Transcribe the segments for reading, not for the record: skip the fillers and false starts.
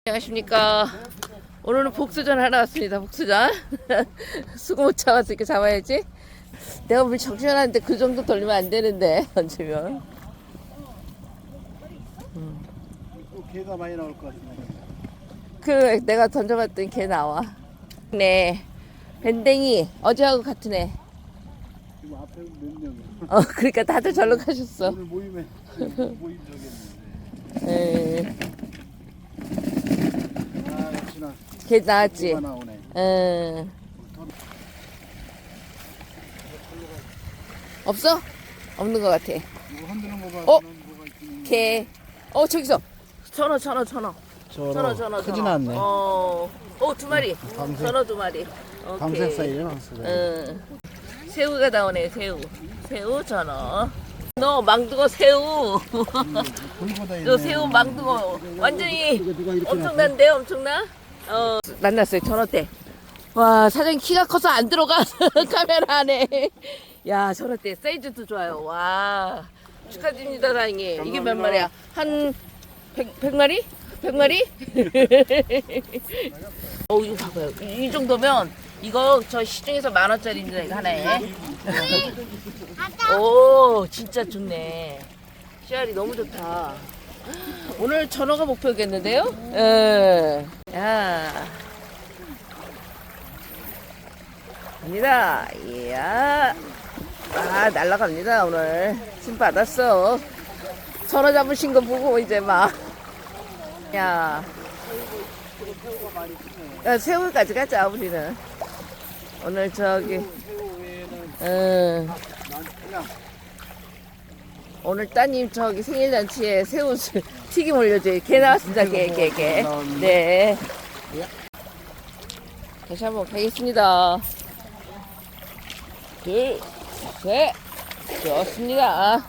안녕하십니까. 오늘은 복수전 하러 왔습니다. 복수전. 수고 못 참아서 이렇게 잡아야지. 내가 물 정신하는데 그 정도 돌리면 안 되는데 던지면. 또 개가 많이 나올 것 같은데. 그 내가 던져봤더니 걔 나와. 네. 밴댕이 어제하고 같은 애. 지금 앞에 몇 명? 그러니까 다들 절로 가셨어. 오늘 모임 저기였는데. 에. 아 역시나 걔 나왔지. 개가 나오네. 없어? 없는 것 같아. 이거 흔드는 거 봐. 어? 뭐가 있긴. 걔. 저기서. 전어. 크진 않네. 두 마리. 방생. 전어 두 마리. 오케이. 방생 사이즈 나왔어. 새우가 나오네, 새우 전어. 너 망둥어 새우. 불보다 있네. 저 새우 망둥어. 완전히 누가 이렇게 엄청난데, 엄청나? 만났어요, 전어 때. 와, 사장님 키가 커서 안 들어가. 카메라 안에. 야, 전어 때 사이즈도 좋아요. 와. 축하드립니다, 사장님. 이게 몇 마리야? 한 100마리? 100마리? 이거 봐봐요. 이 정도면 이거 저 시중에서 10,000원짜리인데 이거 하나에. 오, 진짜 좋네. 씨알이 너무 좋다. 오늘 전어가 목표겠는데요? 예. 야. 갑니다. 이야. 날라갑니다, 오늘. 침 받았어. 전어 잡으신 거 보고 이제 막. 야, 새우까지 가자, 우리는. 오늘 저기, 오늘 따님 저기 생일잔치에 새우 튀김 올려줘요. 게 나왔습니다, 게. 네. 다시 한번 가겠습니다. 둘, 셋. 좋습니다.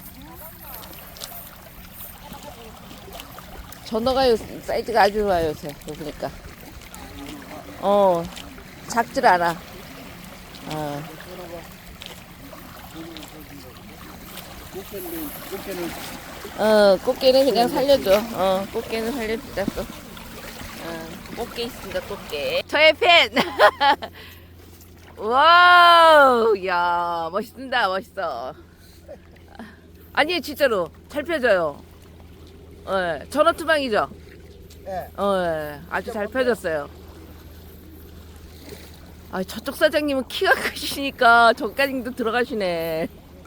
전어가 사이즈가 아주 좋아요, 요새. 보니까. 작질 않아. 꽃게는 그냥 살려줘. 꽃게는 살려주자, 또. 꽃게 있습니다, 꽃게. 저의 팬! 와우! 야, 멋있어. 아니, 진짜로. 잘 펴져요. 전어 투방이죠? 네. 아주 잘 펴졌어요. 저쪽 사장님은 키가 크시니까 저까지도 들어가시네.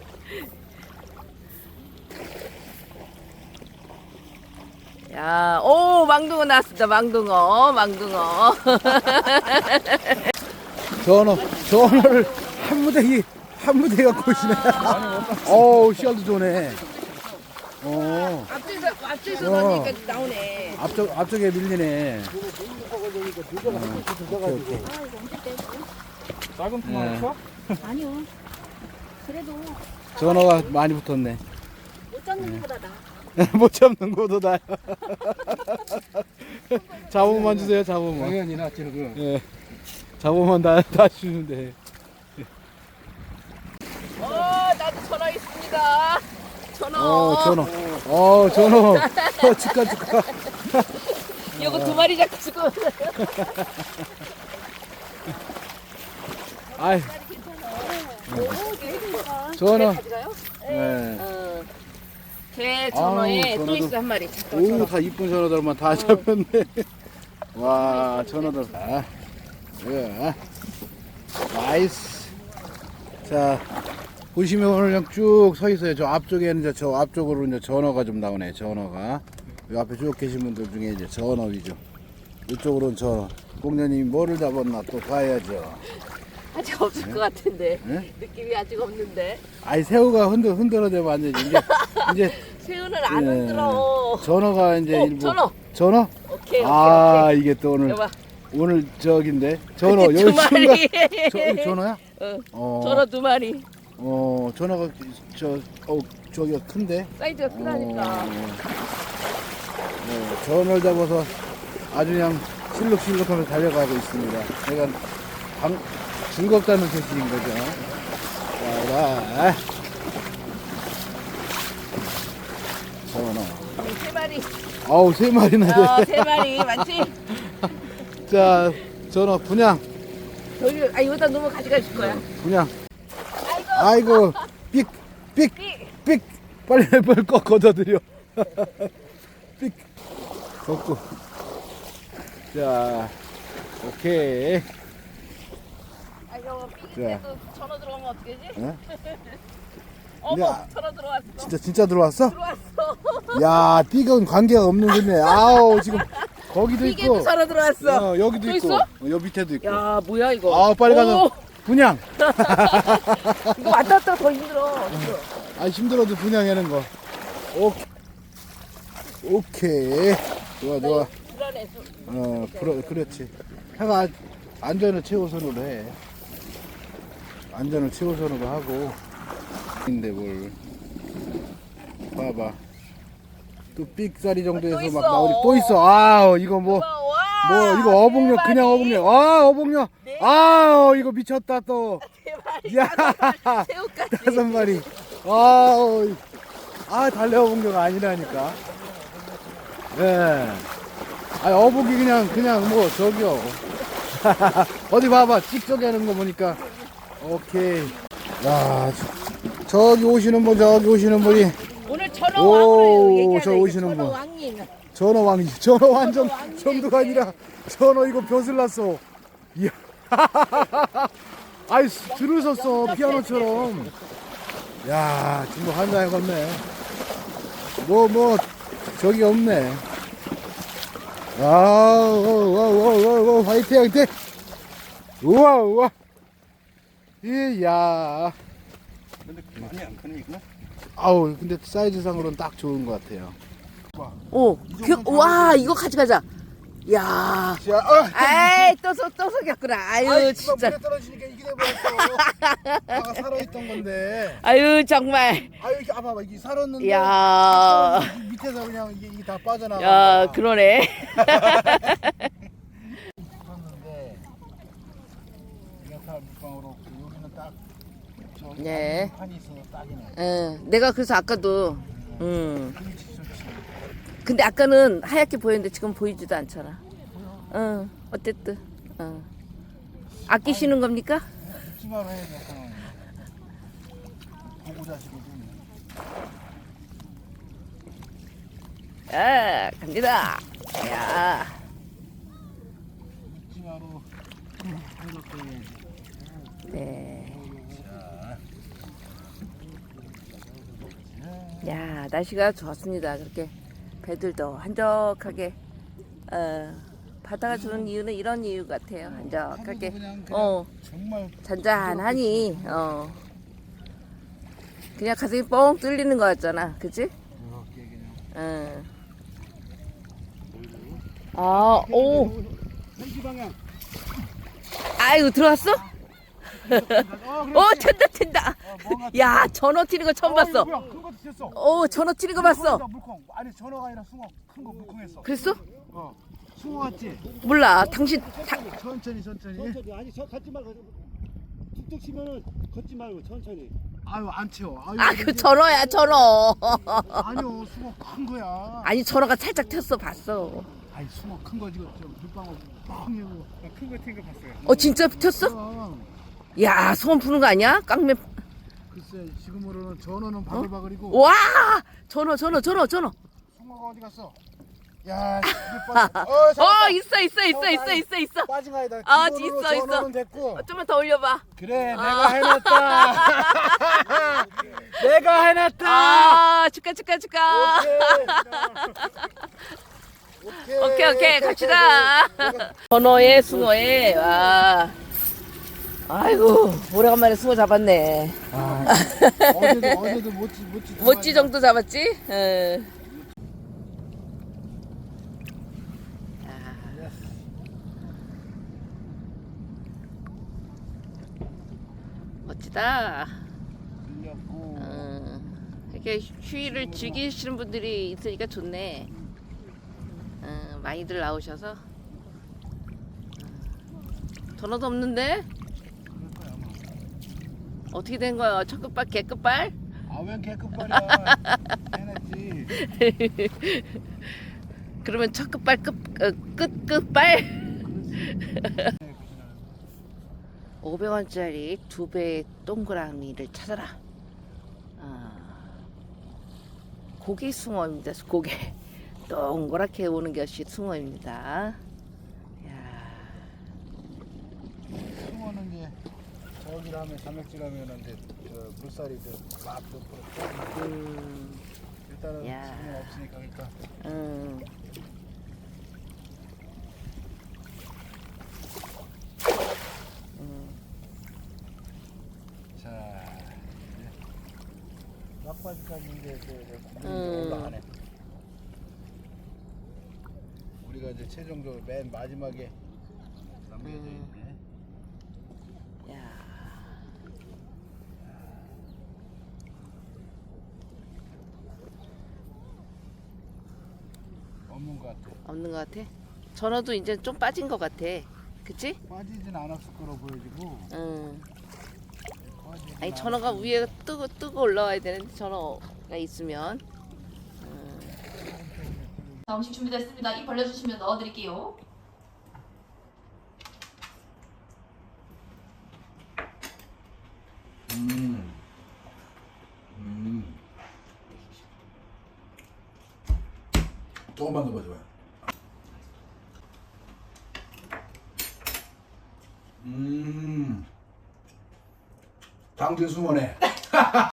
야, 망둥어 나왔습니다. 망둥어. 전어를 한 무대 갖고 오시네. 씨알도 좋네. 앞쪽에서 나오니까 나오네. 앞쪽에 밀리네. 작은 통만 쳐? 아니요. 그래도 전어가 많이 붙었네. 못 잡는 것보다 나. 못 잡는 것도 나요. 잡으면 주세요, 잡으면. 당연히 나 지금. 예. 잡으면 다 주는데. 나도 전어 있습니다. 전어. 전어. 축하. 이거 두 마리 잡고. 아이. 전어. 네. 개 전어에 또 있어 한 마리. 오, 다 이쁜 전어들만 다 잡혔네. 와, 전어들. 예. 나이스. 자, 보시면 오늘 그냥 쭉 서 있어요. 저 앞쪽에는 저 앞쪽으로 이제 전어가 좀 나오네. 전어가. 이 앞에 쭉 계신 분들 중에 이제 전어 위죠. 이쪽으로는 전어. 공녀님이 뭐를 잡았나 또 봐야죠. 아직 없을 것 같은데. 네? 느낌이 아직 없는데. 새우가 흔들어대면 안 되지. 이제 새우는 안 예. 흔들어. 전어가 이제 일부. 전어? 오케이. 이게 또 오늘 여봐. 오늘 저긴데 전어 두 마리. 전어야? 전어 두 마리. 전어가 저기가 큰데. 사이즈가 크다니까. 전어를 잡아서 아주 그냥 실룩실룩하면서 달려가고 있습니다. 제가 즐겁다는 소식인 거죠. 자, 전어. 세 마리. 아우 3마리나 돼. 3마리 많지? 자 전어 분양 저기 이거다 넣으면 가져가실 거야. 분양. 아이고 삑 빨리 걷어들여. 삑 걷고. 자 오케이. 이거 삐기때도 전화 들어오면 어떻게 되지? 어? 어머 야. 전화 들어왔어. 진짜 들어왔어? 들어왔어. 야 삑은 관계가 없는 거네. 아우 지금 거기도 삐개도 있고 전화 들어왔어. 여기도 또 있고 있어? 여기 밑에도 있고. 야 뭐야 이거. 아 빨리 가서 오, 분양. 이거 왔다 갔다 더 힘들어. 아 힘들어도 분양하는 거. 오케이. 좋아. 불안해서. 그렇지. 해가 안전을 최우선으로 해. 안전을 최우선으로 하고. 근데 뭘 봐봐. 또 삑사리 정도에서 또 막 있어. 나오니 또 있어. 아 이거 뭐 이거 어복력 대박이. 그냥 어복력. 아 어복력. 네. 아 이거 미쳤다 또. 대박이. 야 새우까지. 5마리. 달래 어복력 아니라니까. 예. 어복이 그냥 뭐 저기요. 어디 봐봐 찍저기 하는 거 보니까. 오케이. 야 저기 오시는 분이 오늘 전어 오, 왕으로 얘기하자. 저 오시는 전어 분. 왕님. 전어 완전 왕이야, 정도가 아니라 전어 이거 벼슬 났어. 이야. 아이 줄을 섰어 피아노처럼. 야 지금 한장에 걷네. 뭐 저기 없네. 와 화이팅. 우와 이야. 근데 많이 안 크네 이거? 아우 근데 사이즈상으로는 딱 좋은 것 같아요. 와 이거 가져가자. 야. 자, 아이 또 속였구나. 아유 진짜. 물에 떨어지니까 이게 돼버렸어. 아까 살아있던 건데. 아유 정말. 아유 이게 봐봐 이게 살았는데. 야. 밑에서 그냥 이게 다 빠져나가. 야 그러네. 었는데 이렇게 물방으로 여기는 딱 저기 네. 판이 있어서 딱이네. 응. 내가 그래서 아까도. 근데 아까는 하얗게 보였는데 지금 보이지도 않잖아. 응. 어쨌든. 응. 아끼시는 겁니까? 찜하로 해야 돼 상황이. 보고 자시거든. 야 갑니다. 야. 찜하로 해놓고 해야지. 네. 야 날씨가 좋았습니다. 그렇게 배들도 한적하게 바다가 주는 이유는 이런 이유 같아요. 한적하게 정말 잔잔하니 그냥 가슴이 뻥 뚫리는 거 같잖아. 그치? 이렇게 그냥. 오. 한시 방향. 아이고 들어왔어? 튄다. 야 전어 튀는 거 처음 봤어. 뭐야 큰 것도 쳤어. 전어 튀는 거 봤어. 물콩. 아니 전어가 아니라 숭어. 큰 거 물콩했어. 그랬어? 숭어 같지? 몰라. 당신 천천히. 아니 저 걷지 말고 툭툭 치면은 걷지 말고 천천히. 아유 안 채워. 그 전어야 전어. 아니요 숭어 큰 거야. 아니 전어가 살짝 튀었어 봤어. 아니 숭어 큰 거 지금 물방울 뻥이고. 큰거 튄거 봤어요. 진짜 튀었어? 야 소원 푸는 거 아니야? 깡매. 글쎄 지금으로는 전어는 바글바글이고. 와 전어. 숭어가 어디 갔어? 야 이게 빠져. 있어. 빠진 거 아니다. 있어. 전어는 됐고. 좀만 더 올려봐. 그래 내가 해놨다. 내가 해놨다. 축하. 오케이. 오케이 갑시다. 전어에 숭어에 와. 아이고 오래간만에 숭어 잡았네. 어제도 못지 정도 잡았지? 응. 멋지다. 이렇게 휴일을 즐기시는 분들이 있으니까 좋네. 많이들 나오셔서. 전화도 없는데? 어떻게 된 거야? 첫 끝발, 개 끝발? 아웬 개급발이야. 해냈지. 그러면 첫 끝발 끝발 500원짜리 2배 동그라미를 찾아라. 고기 숭어입니다. 고기 동그랗게 오는 것이 숭어입니다. 숭어는 이제 저기를 하면 삼역질 하면 이제 물살이 막 옆으로 일단은 야. 숭어 없으니까 그러니까 자 이제 막바지까지 이제 물이 올라가네. 우리가 이제 최종적으로 맨 마지막에 남겨져 있네. 야. 없는 것 같아. 없는 것 같아? 전어도 이제 좀 빠진 것 같아. 그치? 빠지진 않았을 거로 보여지고. 빠지진 아니 전어가 않았을 위에 뜨고 올라와야 되는데 전어가 있으면. 자, 음식 준비됐습니다. 입 벌려주시면 넣어드릴게요. 조금만 더 봐줘요. 장진 숭어네.